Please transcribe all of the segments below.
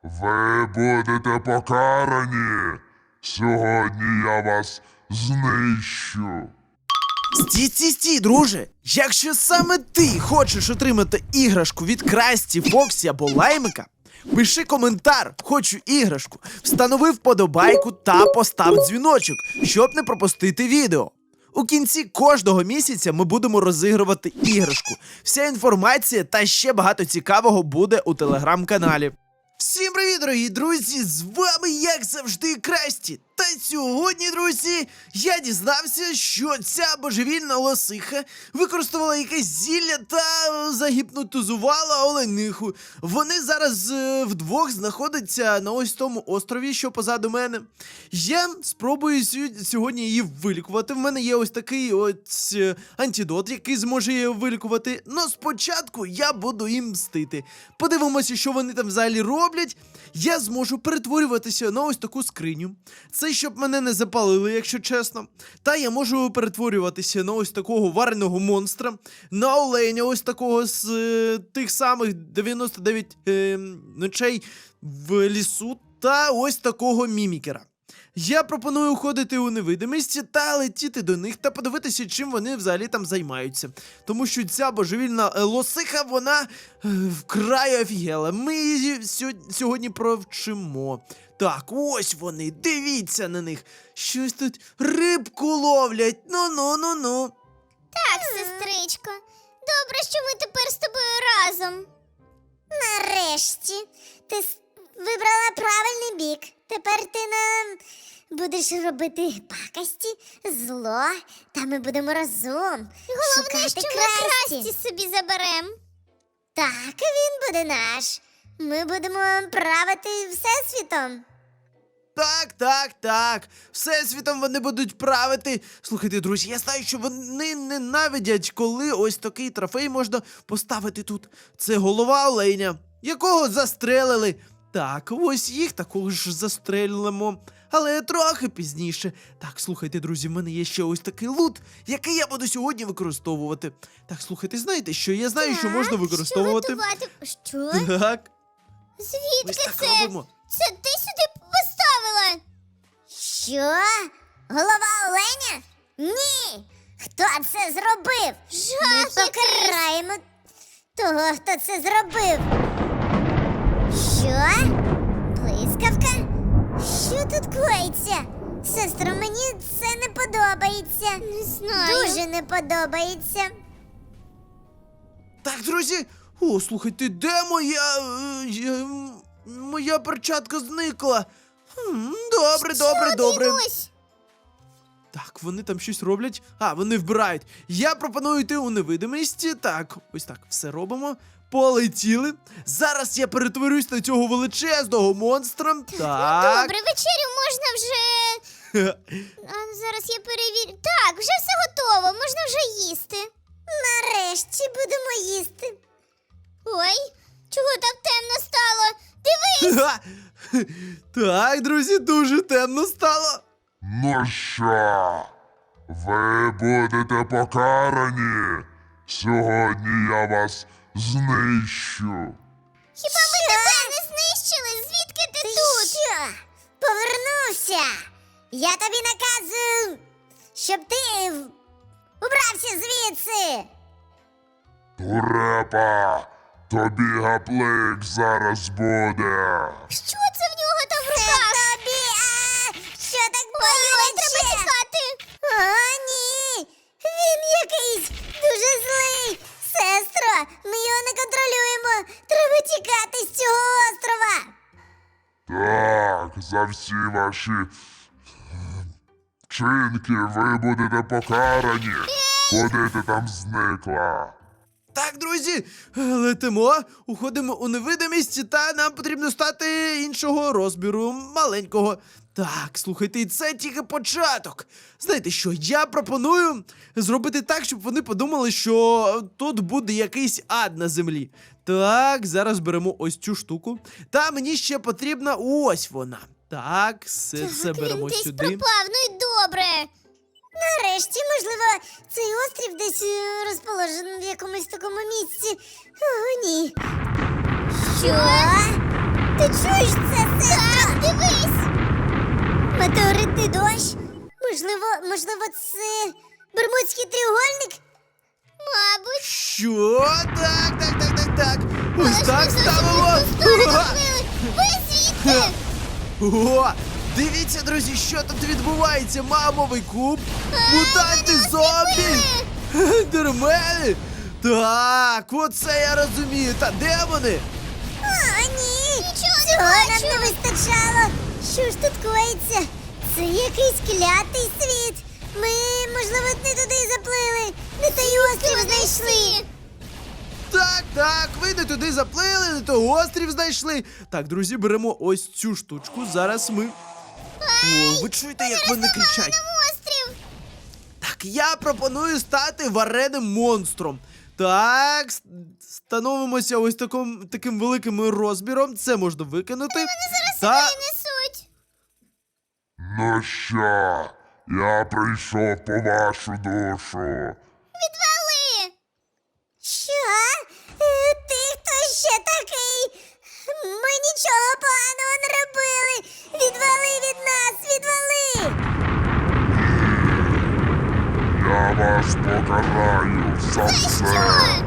Ви будете покарані. Сьогодні я вас знищу. Стій, друже! Якщо саме ти хочеш отримати іграшку від Красті, Фоксі або Лаймика, пиши коментар «Хочу іграшку», встанови вподобайку та постав дзвіночок, щоб не пропустити відео. У кінці кожного місяця ми будемо розігрувати іграшку. Вся інформація та ще багато цікавого буде у телеграм-каналі. Всім привіт, дорогі друзі! З вами, як завжди, Красті. Та сьогодні, друзі, я дізнався, що ця божевільна лосиха використовувала якесь зілля та загіпнотизувала олениху. Вони зараз вдвох знаходяться на ось тому острові, що позаду мене. Я спробую сьогодні її вилікувати. В мене є ось такий ось антидот, який зможе її вилікувати. Но спочатку я буду їм мстити. Подивимося, що вони там взагалі роблять. Я зможу перетворюватися на ось таку скриню. Це щоб мене не запалили, якщо чесно. Та я можу перетворюватися на ось такого вареного монстра, на оленя ось такого з тих самих 99 ночей в лісу, та ось такого мімікера. Я пропоную уходити у невидимість та летіти до них та подивитися, чим вони взагалі там займаються. Тому що ця божевільна лосиха, вона вкрай офігела. Ми її сьогодні провчимо. Так, ось вони, дивіться на них. Щось тут рибку ловлять. Ну. Так, сестричко. Добре, що ми тепер з тобою разом. Нарешті. Ти вибрала правильний бік. Тепер ти нам будеш робити пакості, зло, та ми будемо разом. Головне, що ми Красті собі заберемо. Так, він буде наш. Ми будемо правити всесвітом. Так. Всесвітом вони будуть правити. Слухайте, друзі, я знаю, що вони ненавидять, коли ось такий трофей можна поставити тут. Це голова оленя, якого застрелили. Так, ось їх також застрелимо. Але трохи пізніше. Так, слухайте, друзі, в мене є ще ось такий лут, який я буду сьогодні використовувати. Так, слухайте, знаєте що? Я знаю, що можна використовувати. Що? Так. Звідки Ось так це? робимо. Це ти сюди поставила? Що? Голова оленя? Ні! Хто це зробив? Ми покараємо того, хто це зробив. Що? Блискавка? Що тут коїться? Сестро, мені це не подобається. Не знаю. Дуже не подобається. Так, друзі. О, слухайте, де моя перчатка зникла? Добре. Ось. Так, вони там щось роблять. Вони вбирають. Я пропоную йти у невидимість. Так, ось так, все робимо. Полетіли. Зараз я перетворюсь на цього величезного монстра. Так. Добре, вечерю можна вже. Зараз я перевірю. Так, вже все готово, можна вже їсти. Нарешті будемо їсти. Ой, чого так темно стало? Дивись! Так, друзі, дуже темно стало. Ну що? Ви будете покарані. Сьогодні я вас знищу. Хіба ми тебе не знищили? Звідки ти тут? Що? Повернувся. Я тобі наказую, щоб ти убрався звідси. Турепа, тобі гаплик зараз буде. Що це в нього там в руках? Це тобі, що так боляче? Треба тікати. О, ні, він якийсь дуже злий. Сестро, ми його не контролюємо. Треба тікати з цього острова. Так, за всі ваші вчинки ви будете покарані. Куди ти там зникла? Так, друзі, летимо, уходимо у невидимість, та нам потрібно стати іншого розміру, маленького. Так, слухайте, і це тільки початок. Знаєте що, я пропоную зробити так, щоб вони подумали, що тут буде якийсь ад на землі. Так, зараз беремо ось цю штуку. Та мені ще потрібна ось вона. Так, все це беремо він сюди. Він десь пропав, ну і добре. Нарешті, можливо, цей острів десь розположений в якомусь такому місці. О, ні. Що? Ти чуєш це, сестро? Так, дивись! Метеоритний дощ? Можливо, це Бермудський треугольник? Мабуть. Що? Так. Ось Але ж так ми зовсім ставимо. не в ту сторону Ага. плили. Ви звідти? О, дивіться, друзі, що тут відбувається. Мамовий куб, мутанти, зомбі, дермени. Так, оце я розумію. Та де вони? А, ні! Цього нам не вистачало! Що ж тут коїться? Це якийсь клятий світ! Ми, можливо, не туди заплили! Не той острів знайшли! Так, ви не туди заплили, не той острів знайшли. Так, друзі, беремо ось цю штучку. Зараз ми. О, ви чуєте, як вони кричать? Острів! Так, я пропоную стати вареним монстром. Так, становимося ось таким великим розміром. Це можна викинути. Зараз несуть! Ну що, я прийшов по вашу душу. Відвали! Що? Ти хто ще такий? Ми нічого поганого не робили! Відвали від нас! Відвали! Я вас покараю за Що? все.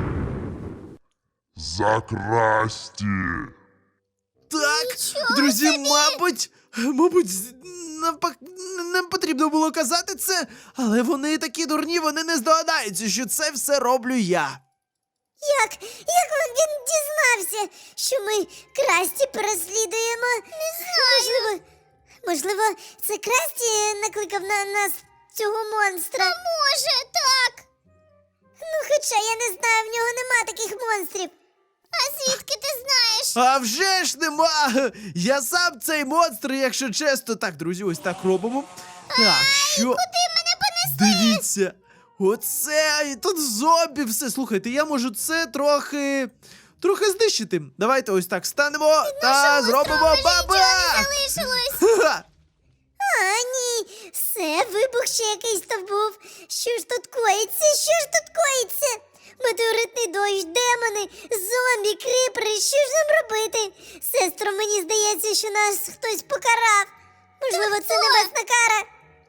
За красті. Так, Нічого друзі, собі! мабуть, навпаки, нам потрібно було казати це, але вони такі дурні, вони не здогадаються, що це все роблю я. Як він дізнався, що ми Красті переслідуємо? Не знаю. Можливо, це Красті накликав на нас цього монстра? А може, так. Ну, хоча я не знаю, в нього нема таких монстрів. А звідки ти знаєш? А вже ж нема! Я сам цей монстр, якщо чесно. Так, друзі, ось так робимо. Так, що? Куди мене понесли? Дивіться! Оце, і тут зомбі все. Слухайте, я можу це трохи знищити. Давайте ось так станемо та зробимо бабах! Залишилось. Ха! А, ні, все, вибух ще якийсь то був. Що ж тут коїться? Що ж тут коїться? Метеоритний дощ, демони, зомбі, кріпери, що ж нам робити? Сестро, мені здається, що нас хтось покарав. Можливо, це небесна кара.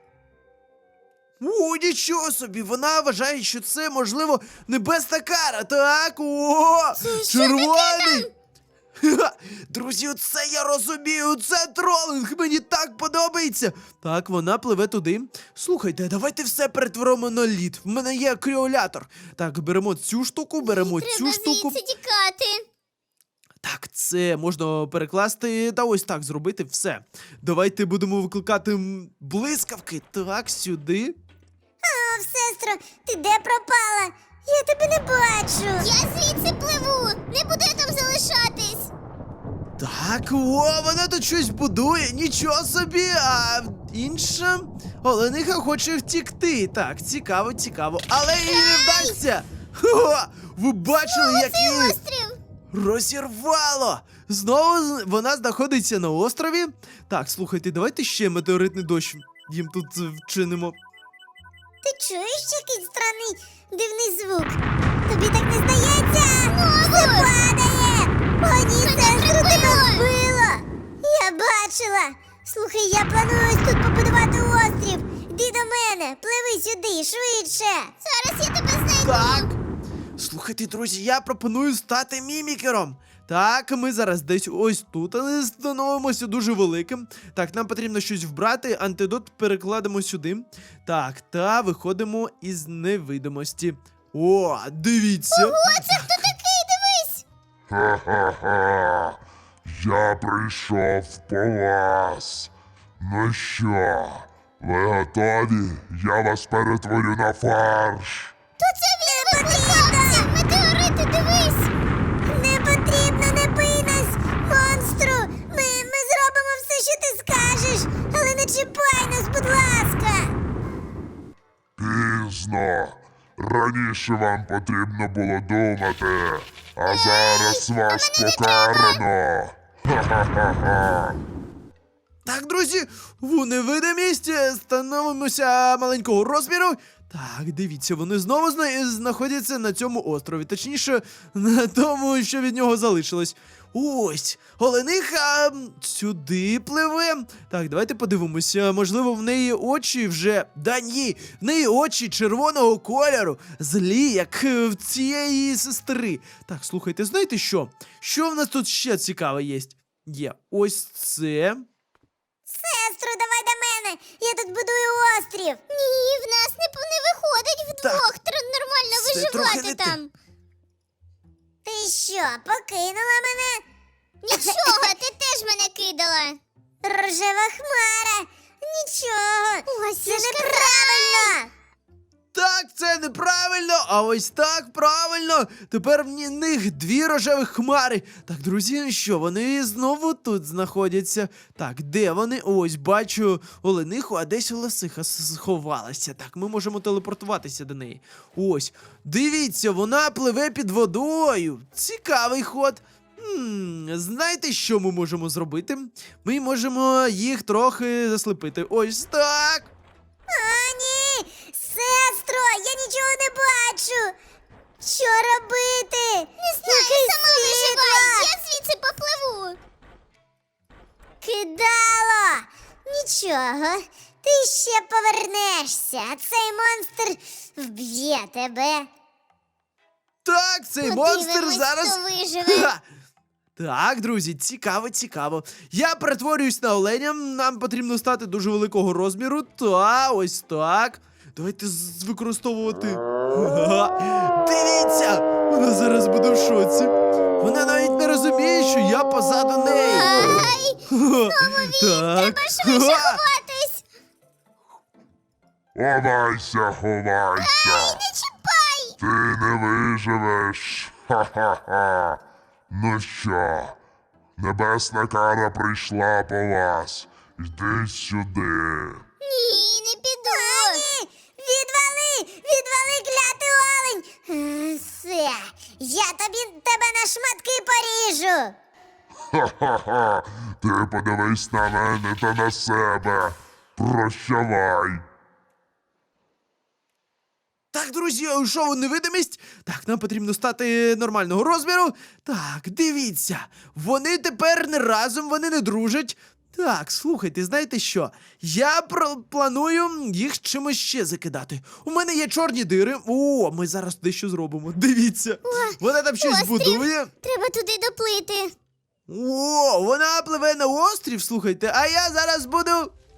О, нічого собі, вона вважає, що це, можливо, небесна кара. Так, о, червоний. Ха! Друзі, оце я розумію, це тролинг, мені так подобається. Так, вона пливе туди. Слухайте, давайте все перетворимо на лід. В мене є кріолятор. Так, беремо цю штуку, беремо цю штуку. тікати. Так, це можна перекласти та ось так зробити все. Давайте будемо викликати блискавки. Так, сюди. О, сестро, ти де пропала? Я тебе не бачу. Я звідси пливу, не буду я там залишатись. Так, о, вона тут щось будує, нічого собі, а інша олениха хоче втікти. Так, цікаво, але їй не вдасться. Хо, ви бачили, як її Острів. розірвало. Знову вона знаходиться на острові. Так, слухайте, давайте ще метеоритний дощ їм тут вчинимо. Ти чуєш якийсь странний дивний звук? Тобі так не здається? Все падає! О, ні, сестру, тебе вбило! Я бачила! Слухай, я планую ось тут побудувати острів! Йди до мене, пливи сюди, швидше! Зараз я тебе знайду! Так. Слухайте, друзі, я пропоную стати мімікером. Так, ми зараз десь ось тут, але становимося дуже великим. Так, нам потрібно щось вбрати, антидот перекладемо сюди. Так, та виходимо із невидимості. О, дивіться. Це хто такий? Дивись! Ха-ха-ха. Я прийшов по вас. Ну що, ви готові? Я вас перетворю на фарш. То це він потрібно! Метеорити, дивись! Не потрібно, не бий нас, монстру! Ми зробимо все, що ти скажеш, але не чіпай нас, будь ласка! Пізно. Раніше вам потрібно було думати, а зараз вас покарано. Ха-ха-ха-ха. Так, друзі, в невидимість становимося маленького розміру. Так, дивіться, вони знову знаходяться на цьому острові. Точніше, на тому, що від нього залишилось. Ось, олениха сюди пливе. Так, давайте подивимося. Можливо, в неї очі вже. Да ні, в неї очі червоного кольору, злі, як в цієї сестри. Так, слухайте, знаєте що? Що в нас тут ще цікаве є? Є ось це. Сестру, давай до мене. Я тут будую острів. Ні, в нас не виходить вдвох нормально це трохи виживати не те. там. Ти що, покинула мене? Нічого, ти теж мене кидала. Рожева хмара. Нічого. Ось це неправильно. Так, це неправильно, а ось так правильно. Тепер в них дві рожеві хмари. Так, друзі, ну що, вони знову тут знаходяться. Так, де вони? Ось, бачу олениху, а десь лисиха сховалася. Так, ми можемо телепортуватися до неї. Ось, дивіться, вона пливе під водою. Цікавий ход. Знаєте, що ми можемо зробити? Ми можемо їх трохи заслепити. Ось так. О, ні! Сестро, я нічого не бачу! Що робити? Не знаю, сама виживай! Я звідси попливу! Кидало! Нічого, ти ще повернешся, а цей монстр вб'є тебе. Так, цей монстр Подивимось, зараз. хто виживе. Ха! Так, друзі, цікаво, цікаво. Я перетворююсь на оленя, нам потрібно стати дуже великого розміру. Та, ось так. Давайте використовувати. Ха-ха. Дивіться! Вона зараз буде в шоці. Вона навіть не розуміє, що я позаду неї. Ай, Так. треба швидше ховатись! Ховайся, ховайся. Не чіпай! Ти не виживеш. Ха-ха-ха. Ну що, небесна кара прийшла по вас. Йди сюди. Ні, не піду. Ні, відвали, клятий олень. Все, я тебе на шматки поріжу. Ха-ха-ха. Ти подивись на мене та на себе. Прощавай. Так, друзі, я уйшов у невидимість. Так, нам потрібно стати нормального розміру. Так, дивіться. Вони тепер не разом, вони не дружать. Так, слухайте, знаєте що? Я планую їх чимось ще закидати. У мене є чорні дири. О, ми зараз дещо зробимо. Дивіться. Вона там щось острів. будує. Треба туди доплити. О, вона пливе на острів, слухайте, а я зараз буду.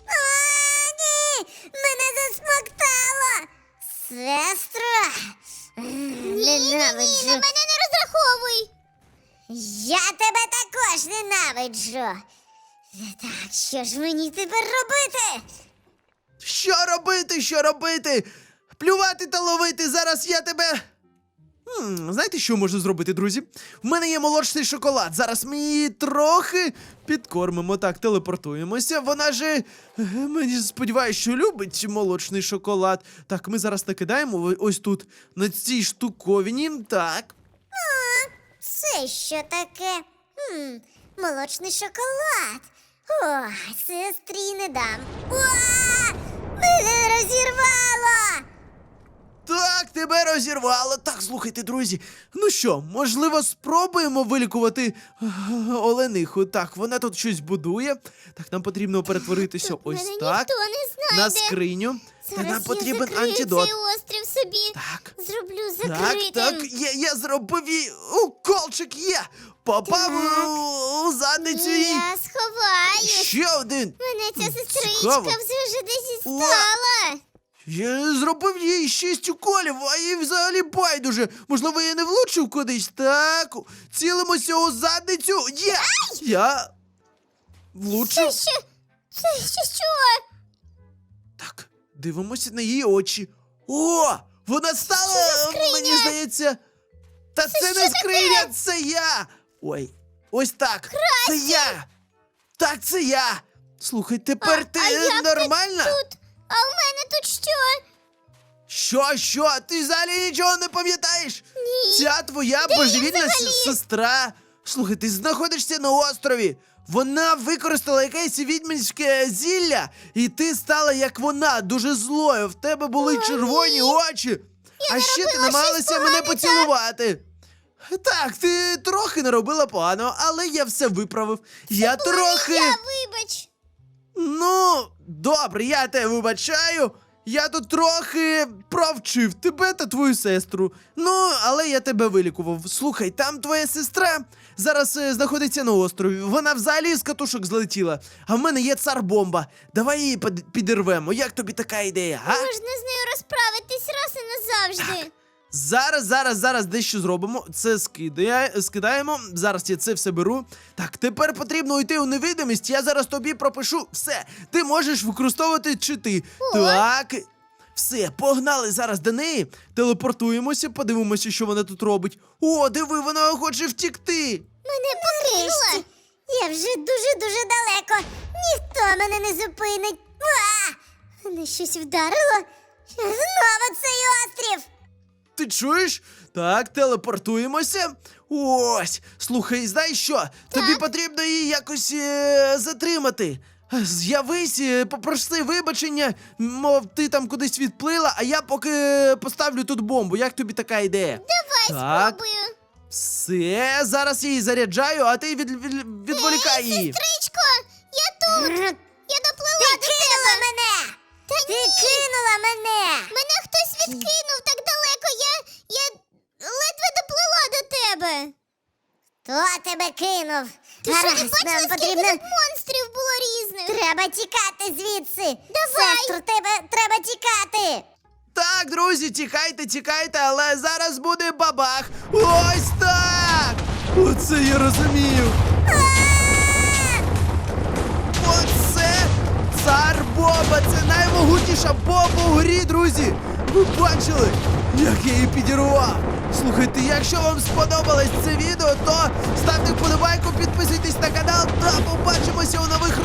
Ні, мене засмоктало. Сестра, ненавиджу. На мене не розраховуй. Я тебе також ненавиджу. Так, що ж мені тепер робити? Що робити, що робити? Плювати та ловити, зараз я тебе. Знаєте, що можна зробити, друзі? В мене є молочний шоколад. Зараз ми її трохи підкормимо. Так, телепортуємося. Вона же, мені сподіваюся, що любить молочний шоколад. Так, ми зараз накидаємо ось тут, на цій штуковині. Так. Це що таке? Молочний шоколад. О, сестрі не дам. О, мене розірвало! Так, тебе розірвало. Так, слухайте, друзі. Ну що, можливо, спробуємо вилікувати олениху. Так, вона тут щось будує. Так, нам потрібно перетворитися Тут ось мене так. ніхто не На знайде. скриню. Та Зараз нам потрібен я закрию антидот. цей острів собі. Так. Зроблю Так, закритим. так, я зробив її. Уколчик є. Попав Так. у задницю її. Я сховаю. Ще один. Мене ця сестричка Цікаво. вже десь стала. Я зробив їй 6 уколів, а їй взагалі байдуже. Можливо, я не влучив кудись. Так, цілимося у задницю. Є! Я влучив. Це що? Так, дивимося на її очі. О! Вона стала, скриня? мені здається. Та це не скриня, це я! Ой, ось так. Це я! Так, це я! Слухай, тепер ти як нормальна? ти тут? А у мене тут що? Що? Ти взагалі нічого не пам'ятаєш? Ні. Ця твоя Де я божевільна взагалі? сестра. Слухай, ти знаходишся на острові. Вона використала якесь відьминське зілля, і ти стала як вона, дуже злою. В тебе були червоні очі. А ще ти робила намагалася щось мене погане, поцілувати. Так, ти трохи наробила погано, але я все виправив. Я трохи. Вибач. Ну, добре, я тебе вибачаю. Я тут трохи провчив тебе та твою сестру. Ну, але я тебе вилікував. Слухай, там твоя сестра зараз знаходиться на острові. Вона взагалі з катушок злетіла. А в мене є цар-бомба. Давай її підірвемо. Як тобі така ідея, га? Можна з нею розправитись раз і назавжди. Зараз дещо зробимо. Це скидаємо. Зараз я це все беру. Так, тепер потрібно йти у невидимість. Я зараз тобі пропишу все. Ти можеш використовувати чити. Так. Все, погнали зараз до неї. Телепортуємося, подивимося, що вона тут робить. О, диви, вона хоче втікти. Мене покинула. Я вже дуже-дуже далеко. Ніхто мене не зупинить. Мене щось вдарило. Знову цей острів. Ти чуєш? Так, телепортуємося. Ось, слухай, знаєш що? Тобі потрібно її якось затримати. З'явись, попроси вибачення, мов ти там кудись відплила, а я поки поставлю тут бомбу. Як тобі така ідея? Давай Так. спробую. Все, зараз я її заряджаю, а ти відволікай її. Сестричко, я тут. Я доплила до тебе. Мене. Ти кинула мене. Мене хтось відкинув так далеко. Я ледве доплила до тебе. Хто тебе кинув? Ти що, не бачила, скільки тут монстрів було різних? Треба тікати звідси. Давай. Сестру, треба тікати. Так, друзі, тікайте, але зараз буде бабах. Ось так! Оце я розумію. Оце цар-бомба, це наймогутніша бомба у грі, друзі. Ви бачили, як я її підірвав? Слухайте, якщо вам сподобалось це відео, то ставте вподобайку, підписуйтесь на канал та побачимося у нових